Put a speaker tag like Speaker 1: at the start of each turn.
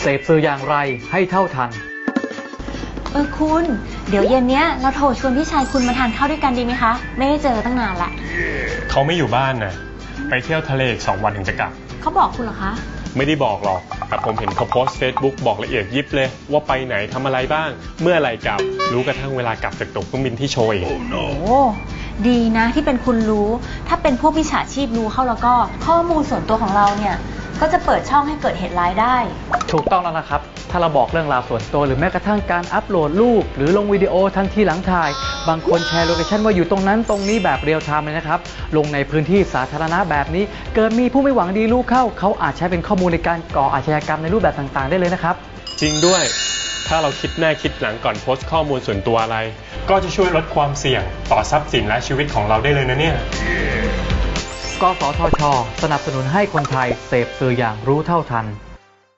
Speaker 1: เสพสื่ออย่างไรให้เท่าทัน
Speaker 2: คุณเดี๋ยวเย็นเนี้ยเราโทรชวนพี่ชายคุณมาทานข้าวด้วยกันดีไหมคะไม่ได้เจอตั้งนานละ
Speaker 3: เขาไม่อยู่บ้านนะไปเที่ยวทะเลอีก2 วันถึงจะกลับ
Speaker 2: เขาบอกคุณเหรอคะ
Speaker 3: ไม่ได้บอกหรอกแต่ผมเห็นเขาโพสต์ Facebook บอกละเอียดยิบเลยว่าไปไหนทำอะไรบ้างเมื่อไรกลับรู้กระทั่งเวลากลับจากตั๋วเครื่องบินที่โชย
Speaker 2: โอ้ดีนะที่เป็นคุณรู้ถ้าเป็นพวกมิจฉาชีพรู้เข้าแล้วก็ข้อมูลส่วนตัวของเราเนี่ยก็จะเปิดช่องให้เกิดเหตุร้ายได้
Speaker 1: ถูกต้องแล้วนะครับถ้าเราบอกเรื่องราวส่วนตัวหรือแม้กระทั่งการอัปโหลดรูปหรือลงวิดีโอทันทีหลังถ่ายบางคนแชร์โลเคชั่นว่าอยู่ตรงนั้นตรงนี้แบบเรียลไทม์เลยนะครับลงในพื้นที่สาธารณะแบบนี้เกิดมีผู้ไม่หวังดีรู้เข้าเขาอาจใช้เป็นข้อมูลในการก่ออาชญากรรมในรูปแบบต่างๆได้เลยนะครับ
Speaker 3: จริงด้วยถ้าเราคิดหน้าคิดหลังก่อนโพสต์ข้อมูลส่วนตัวอะไรก็จะช่วยลดความเสี่ยงต่อทรัพย์สินและชีวิตของเราได้เลยนะเนี่ย
Speaker 1: กสทช.สนับสนุนให้คนไทยเสพสื่ออย่างรู้เท่าทัน